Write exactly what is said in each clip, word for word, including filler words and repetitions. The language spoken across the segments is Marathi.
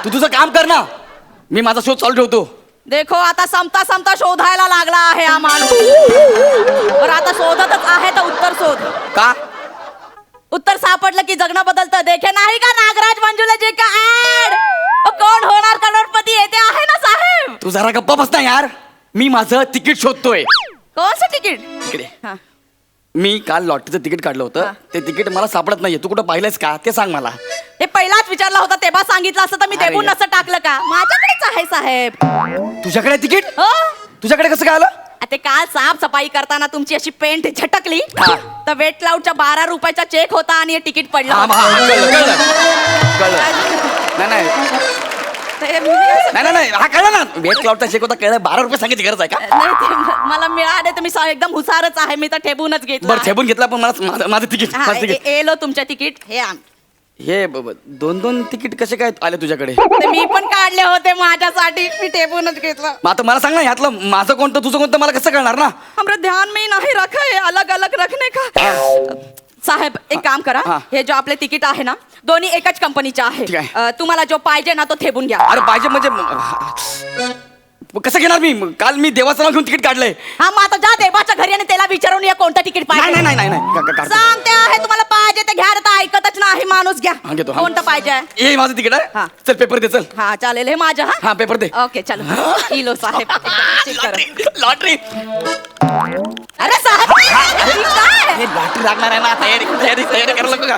तू तुझं काम कर ना, मी माझा शोध चालू ठेवतो. देखो आता समता समता शोधायला लागला आहे हा माणूस. बरं आता शोधतच आहे तर उत्तर शोध. का? उत्तर सापडलं की जगणं बदलतं. देखे नाही का नागराज मंजुलेजी का ऍड, कोण होणार करोडपती येते आहे ना साहेब. तू जरा गप्पा बस ना यार, मी माझं तिकीट शोधतोय. कोणचं तिकीट? इकडे. हा. मी काल लॉटरीचं तिकीट काढलं होतं, ते तिकीट मला सापडत नाहीये. तू कुठं पाहिलंयस का ते सांग मला. हे पहिलाच विचारला होता तेव्हा सांगितलं असतं तर मी अरे देऊन यार. नसतं टाकलं का. माझ्याकडेच आहे साहेब. तुझ्याकडे तिकीट? हो तुझ्याकडे कसं काय आलं? ते काल साफ सफाई करताना तुमची अशी पेंट झटकली हा. तर वेट लाऊडच्या बारा रुपयाचा चेक होता आणि हे तिकीट पडलं हा, होतं. हा, कळलं कळलं कळलं. नाही नाही ते मी असं- नाही नाही नाही, हा कळलं ना, वेट क्लाउडचा चेक होता, कळलं. बारा रुपये सांगायची गरज आहे का? नाही ते म- मला मिळाले तर मी सा- एकदम हुसारच आहे. मी तर ठेवूनच घेतलं बरं आहे. ठेवून घेतला, पण मला माझं- माझं तिकीट हा, माझं ए- तिकीट ए- एलो तुमच्या तिकीट हे आण. हे ब- ब- दोन दोन तिकीट कसे काय आले तुझ्याकडे? ते मी पण काढले होते माझ्यासाठी. मी ठेवूनच घेतलं. मग आता मला सांग ना, ह्यातलं माझं कोणतं तुझं कोणतं मला कसं कळणार ना? हमरा ध्यान में ही नहीं रखा है अलग अलग रखने का. साहेब एक काम करा, हा. हे जो आपले तिकीट आहे ना दोन्ही एकच कंपनीचे आहे. ठीक आहे. अ, तुम्हाला जो पाहिजे ना तो ठेवून घ्या. अरे पाहिजे म्हणजे मग कसं घेणार मी? मग काल मी देवाचं नाव घेऊन तिकीट काढलंय. हा मग आता जा देवाच्या घरी आणि त्याला विचारून या कोणतं तिकीट नाही पाहिजे. नाही नाही नाही नाही, का- का- काढतो. सांगते आहे तुम्हाला पाहिजे ते घ्या. आता ऐकतच नाही माणूस. घ्या हा, घेतो, हा. कोणतं पाहिजे. हे माझं तिकीट हा. आहे. चल पेपर दे, चल. हा चालेल हे माझं. हा हा पेपर दे. ओके चलो इलो साहेब चेक करा. लॉटरी अरे साहेब ठीक आहे. हे लॉटरी लागणार आहे ना. तयारी तयारी तयारी करायला नको का?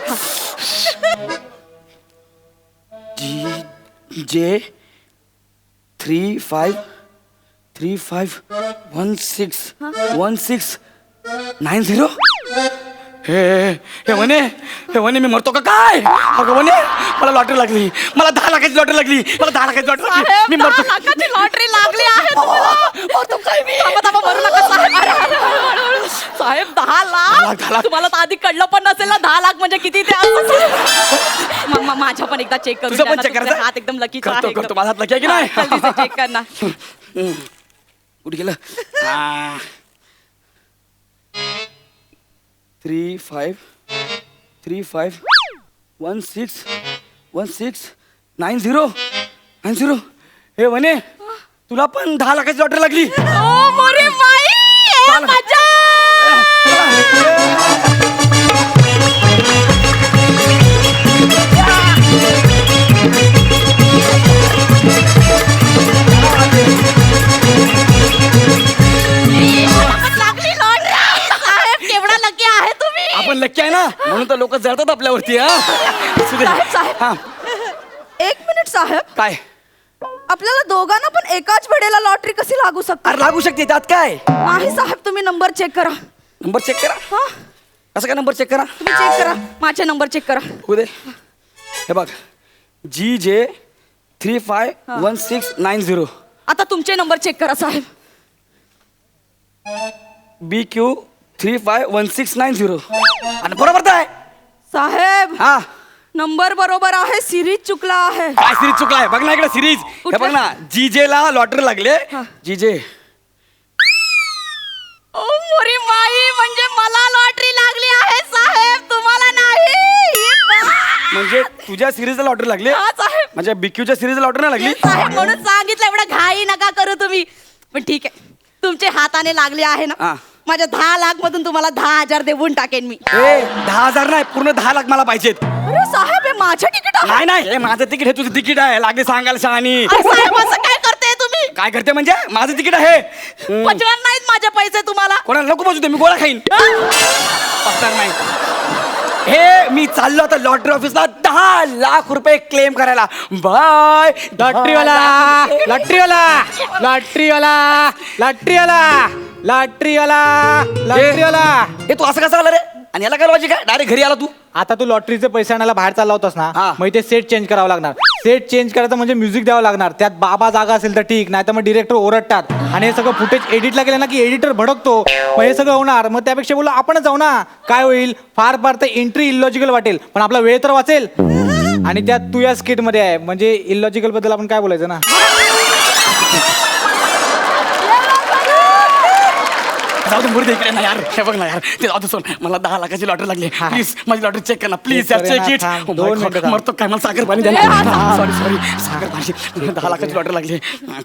G J three five three five one six one six nine zero. हे हे म्हणे हे म्हणे मी मरतो का काय? अगं म्हणे मला लॉटरी लागली, मला दहा लाखाची लॉटरी लागली, मला दहा लाखाची लॉटरी लागली, साहेब मी दहा मरतो. लाखाची लॉटरी लागली आहे तुम्हाला. मरतो काय मी? थांबा, थांबा, मरू नका साहेब. अरे, अरे, अरे, अरे. साहेब दहा लाख, दहा लाख लाख. तुम्हाला तर आधी कळलं पण नसेल ना दहा लाख म्हणजे किती ते असं. मग मग माझ्या पण एकदा चेक करून तुझं द्या पण ना. check तुमचे करायचं? हात एकदम लकीचा करतो, आहे करतो. एकदम. माझा हात lucky आहे की नाही? हा, जल्दीचं चेक कर ना. कुठे गेलं? Three five three five one six one six nine zero nine zero. हे म्हणे तुला पण दहा लाखाची लॉटरी लागली. ओ मोरी माई ए चाल. मजा. लागली लॉटरी. साहेब केवढा लकी आहे तुम्ही. आपण लक्की आहे ना, म्हणून तर लोक जळतात आपल्यावरती. हा असू दे. साहेब साहेब हा एक मिनिट साहेब, काय? आपल्याला दोघांना पण एकाच वेळेला लॉटरी कशी लागू शकते? अरे लागू शकते, त्यात काय? नाही साहेब तुम्ही नंबर चेक करा. नंबर चेक करा. हा कसं काय नंबर चेक करा? तुम्ही चेक करा माझे नंबर चेक करा. होऊ दे. हे बघ, G J three five one six nine zero. आता तुमचे नंबर चेक करा साहेब. B Q three five one six nine zero. आणि बरोबर तर आहे. साहेब हा नंबर बरोबर आहे, सिरीज चुकला आहे. काय सिरीज चुकला आहे? बघ ना इकडे सिरीज. हे कुठलं? बघ ना, जी जे ला लॉटरी लागले. हा. जी जे ओ मोरी माई म्हणजे मला लॉटरी लागली आहे साहेब, तुम्हाला नाही. म्हणजे तुझ्या सिरीजला लॉटरी लागली, हा साहेब. म्हणजे बिक्यूच्या सिरीजला लॉटरी नाही लागली. साहेब म्हणून सांगितलं एवढं घाई नका करू तुम्ही. पण ठीक आहे तुमचे हाताने लागले आहे हा. ना, माझ्या दहा लाख मधून तुम्हाला दहा हजार देऊन टाकेन मी. ए दहा हजार नाही, पूर्ण दहा लाख मला पाहिजेत. अरे साहेब हे माझं तिकीट आहे. नाही नाही, हे माझं तिकीट, हे तुझं तिकीट आहे. लागले सांगायला शहाणी. अरे साहेब असं काय करते तुम्ही? काय करते म्हणजे? माझं तिकीट आहे. पचणार नाहीत माझे पैसे तुम्हाला. कोणाला नको पाहिजे, मी गोळा खाईन. पचणार नाही. हे मी चाललो आता लॉटरी ऑफिसला दहा लाख रुपये क्लेम करायला. बाय लॉटरीवाला लॉटरीवाला लॉटरीवाला लॉटरीवाला लॉटरीवाला लॉटरीवाला. हे तू असं कसं आला रे? आणि याला काय लॉजिक आहे? डायरेक्ट घरी आला तू. आता तू लॉटरीचे पैसे आणायला बाहेर चालला होतास ना, हा. मग ते सेट चेंज करावं लागणार. सेट चेंज करायचं म्हणजे म्युझिक द्यावं लागणार. त्यात बाबा जागा असेल तर ठीक, नाही तर मग डिरेक्टर ओरडतात. आणि हे सगळं फुटेज एडिटला गेलं ना की एडिटर भडकतो. मग हे सगळं होणार. मग त्यापेक्षा बोललो आपणच जाऊ ना. काय होईल, फार फार तर एंट्री इलॉजिकल वाटेल, पण आपला वेळ तर वाचेल. आणि त्यात तू या स्किट मध्ये आहे, म्हणजे इलॉजिकल बद्दल आपण काय बोलायचं ना. जाऊ दे मुर्दे इकडे ना यार हे बघ ना यार ते जाऊ दे सोड मला दहा लाखाची लॉटरी लागली प्लीज माझी लॉटरी चेक कर ना प्लीज यार Check चेक करेन इट ना, थांब. दोन मिनिटं थांब. मरतो काय मला साखर पाणी द्या ए, हा, सॉरी सॉरी साखर पाणी दहा लाखाची लॉटरी लागली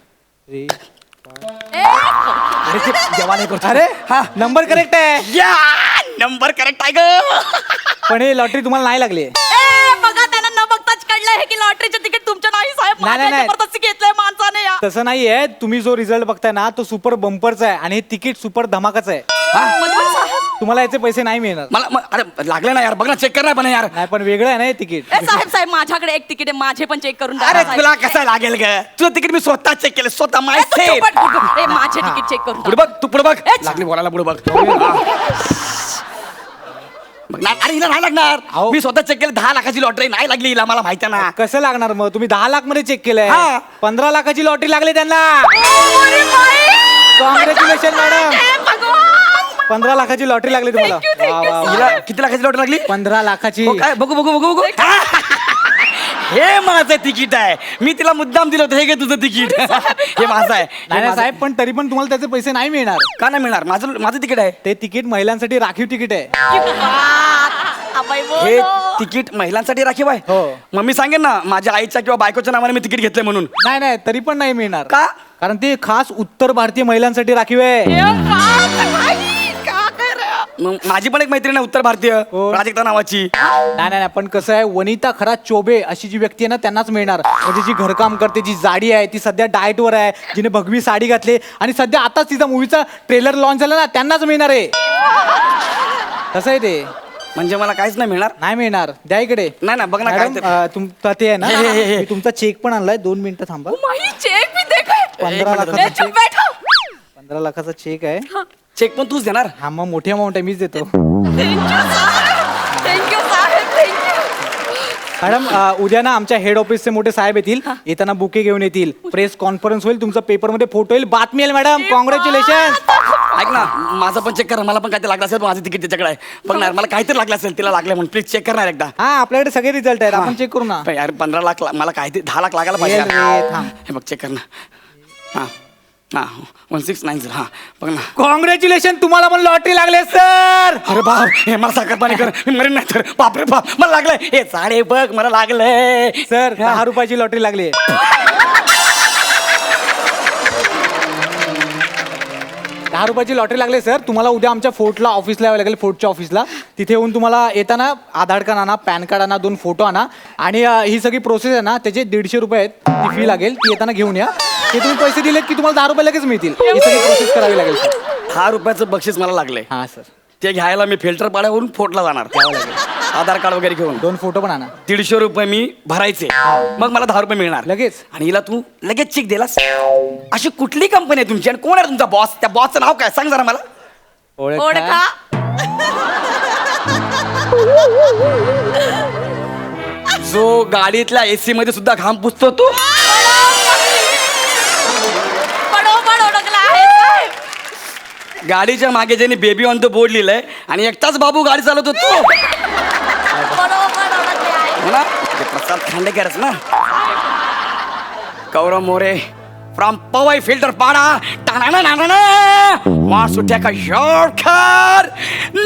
अरे ते जेव्हा नाही करतो अरे हा नंबर करेक्ट आहे या नंबर करेक्ट आहे ग पण हे लॉटरी तुम्हाला नाही लागली ए, बघा त्यांना न बघताच कळलं आहे की लॉटरीचं तिकीट तुमच्या नाही साहेब नाही, नाही, माझ्या नाही. जबरदस्ती घेतलंय माणसाने या तसं नाहीये तुम्ही जो रिझल्ट बघताय ना तो सुपर बंपरचा आहे आणि हे तिकीट सुपर धमाकाचं आहे मधुर साहेब तुम्हाला याचे पैसे नाही मिळणार मला म- अरे लागले ना यार बघ ना चेक कर ना पण यार नाही पण वेगळं आहे ना हे तिकीट ए साहेब साहेब माझ्याकडे एक तिकीट आहे माझे पण चेक करून द्या अरे ना, साहेब. तुला कसं लागेल ग तुझं तिकीट मी स्वतः चेक केलं स्वतः माय ए, तू सेफ चुप बस, तू चुप. ए, माझे तिकीट चेक करून पुढे द्या. बघ तू पुढे बघ एच. लागली बोलायला पुढे बघ हा. बघ ना अरे हिला नाही लागणार अहो. मी स्वतः चेक केलं दहा लाखाची लॉटरी नाही लागली हिला मला माहिती आहे ना कसं लागणार मग तुम्ही दहा लाख मध्ये चेक केलंय हा. पंधरा लाखाची लॉटरी लागली त्यांना ओ, अरे बाई! कॉंग्रॅच्युलेशन मॅडम ए, भगवान! पंधरा लाखाची लॉटरी लागली तुम्हाला Thank you, thank वा, you, वा, sir. वा. हिला किती लाखाची लॉटरी लागली पंधरा लाखाची हो काय बघू बघू बघू बघू हे माझं तिकीट आहे मी तिला मुद्दाम दिलं होतं हे घे तुझं तिकीट हे माझं आहे हे नाही नाही, माझं- साहेब पण तरी पण तुम्हाला त्याचे पैसे नाही मिळणार का नाही मिळणार माझं माझं तिकीट आहे ते तिकीट महिलांसाठी राखीव तिकीट आहे की बात! अबाई हे बोलो. तिकीट महिलांसाठी राखीव आहे हो. मग मी सांगेन ना माझ्या आईच्या किंवा बायकोच्या नावाने मी तिकीट घेतलंय म्हणून नाही नाही तरी पण नाही मिळणार का कारण ते खास उत्तर भारतीय महिलांसाठी राखीव आहे ए, बात, बाई! का कर रहे हो? मग माझी पण एक मैत्रीण आहे उत्तर भारतीय कोण? प्राजक्ता नावाची नाही नाही नाही, पण कसं आहे वनिता खरा चोबे अशी जी व्यक्ती आहे ना त्यांनाच मिळणार म्हणजे जी घरकाम करते जी जाडी आहे ती सध्या डाएटवर आहे जिने भगवी साडी घातली आणि सध्या आताच तिचा मूवीचा ट्रेलर लॉन्च झाला ना त्यांनाच मिळणार आहे कसं आहे ते म्हणजे मला काहीच नाही मिळणार नाही मिळणार द्या इकडे नाही ना बघ ना काय मॅडम ते- अं, तुमचा ते आहे ना हे, हे, हे, हे. मी तुमचा चेक पण आणलाय दोन मिनिटं थांबा माही चेक भी देखो पंधरा एक मिनिट. लाखाचा ए, चुप चेक बैठो पंधरा लाखाचा चेक आहे चेक पण तूच देणार हा मग मोठी अमाऊंट आहे मीच देतो थँक्यू साहेब थँक्यू साहेब थँक्यू मॅडम अं, उद्या ना आमच्या हेड ऑफिसचे मोठे साहेब येतील येताना बुके घेऊन येतील प्रेस कॉन्फरन्स होईल तुमचा पेपरमध्ये फोटो येईल बातमी येईल मॅडम कॉंग्रॅच्युलेशन ऐक ना माझं पण चेक कर मला पण काहीतरी लागलं असेल पण माझं तिकीट त्याच्याकडे आहे बघणार मला काहीतरी लागलं असेल तिला लागलं म्हणून प्लीज चेक करणार एकदा हा आपल्याकडे सगळे रिझल्ट आहेत आपण चेक करू ना पण यार पंधरा लाख ला- मला काहीतरी दहा लाख लागायला पाहिजे येईल यार. रे, थांब. हे बघ चेक कर ना हां हां वन सिक्स नाईन झिरो हां बघ ना कॉंग्रॅच्युलेशन तुम्हाला पण लॉटरी लागले सर अरे बाप हे मला साखर पाणी कर मी मरेन नाही तर बापरे बाप मला लागलंय हे साडे बघ मला लागलंय सर दहा रुपयाची लॉटरी लागली दहा रुपयाची लॉटरी लागली सर तुम्हाला उद्या आमच्या फोर्टला ऑफिसला यावं लागेल फोर्टच्या ऑफिसला तिथे येऊन तुम्हाला येताना आधार कार्ड आणा पॅन कार्ड आणा दोन फोटो आणा आणि अं, ही सगळी प्रोसेस आहे ना त्याचे दीडशे रुपये आहेत ती फी लागेल ती येताना घेऊन या ते तुम्ही पैसे दिलेत की तुम्हाला दहा रुपये लगेच मिळतील ही सगळी प्रोसेस करावी लागेल सर दहा रुपयाचं बक्षीस मला लागलंय हां सर ते घ्यायला मी फिल्टर पाड्यावरून फोर्टला जाणार आधार कार्ड वगैरे घेऊन दोन फोटो पण आणा दीडशे रुपये मी भरायचे मग मला दहा रुपये मिळणार लगेच? आणि हिला तू लगेच चेक दिलास अशी कुठली कंपनी आहे तुमची आणि कोण आहे तुमचा बॉस त्या बॉसचं नाव काय सांग जरा मला ओळखा जो गाडीतल्या एसी मध्ये सुद्धा घाम पुसतो तू बरोबर ओळखला आहे साहेब गाडीच्या मागे ज्याने बेबी ऑन द बोर्ड लिहिलंय आणि एकटाच बाबू गाडी चालवतो तू बरोबर ओळखले आहे हो ना ते प्रसाद खांडेकरच ना गौरव मोरे फ्रॉम पवई फिल्टर पाडा टाणा ना ना ना सुट्या का शॉर्टकट